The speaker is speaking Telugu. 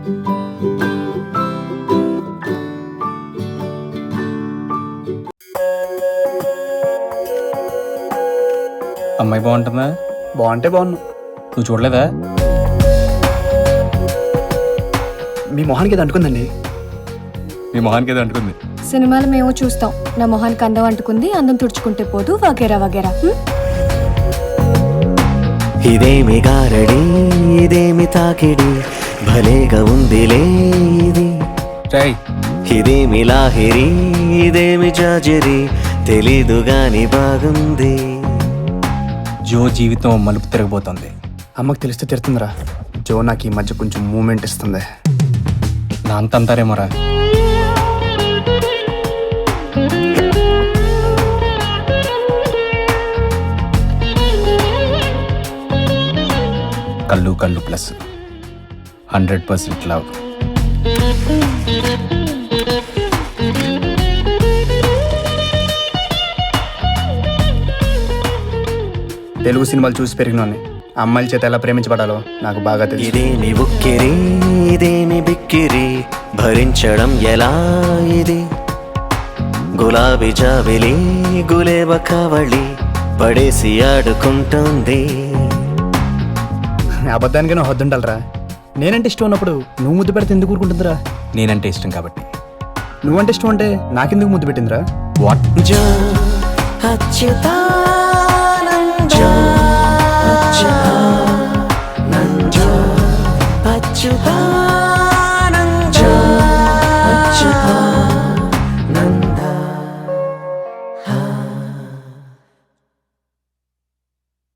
అమ్మాయి బాగుంటుందా? బాగుంటే బాగున్నావు. నువ్వు చూడలేదా? మీ మొహానికి ఇది అంటుకుందండి. మీ మొహానికి ఏదో అంటుకుంది. సినిమాలు మేము చూస్తాం. నా మొహానికి అందం అంటుకుంది, అందం తుడుచుకుంటే పోదు, వగేరా వగేరా. ఇదేమి గారడి, ఇదేమి తాకిడి, భలేగా ఉందిలే ఇది. రై ఇదేమి లాహిరి, ఇదేమి జాజరి, తెలీదు గాని బాగుంది. జో జీవితం మలుపు తిరగబోతోంది. అమ్మకి తెలిస్తే తిడుతుందిరా. జో నాకు ఈ మధ్య కొంచెం మూమెంట్ ఇస్తుంది. నా అంత అంటారేమోరా. కళ్ళు కళ్ళు ప్లస్ 100% లవ్. తెలుగు సినిమాలు చూసి పెరిగినోని అమ్మాయిల చేత ఎలా ప్రేమించబడాలో నాకు బాగా తెలుసు. ఇదేమి ఉక్కిరి, ఇదేమి బిక్కిరి, భరించడం ఎలా ఇది. గులాబీ జాబిలి, గులేబ కవళి, పడేసి ఆడుకుంటుంది. అబద్ధానికైనా హద్దుండాలరా. నేనంటే ఇష్టం ఉన్నప్పుడు నువ్వు ముద్దు పెడితే ఎందుకు ఊరుకుంటుందిరా? నేనంటే ఇష్టం కాబట్టి. నువ్వంటే ఇష్టం అంటే నాకెందుకు ముద్దు పెట్టిందిరా? వాట్? జో అచ్యుతానంద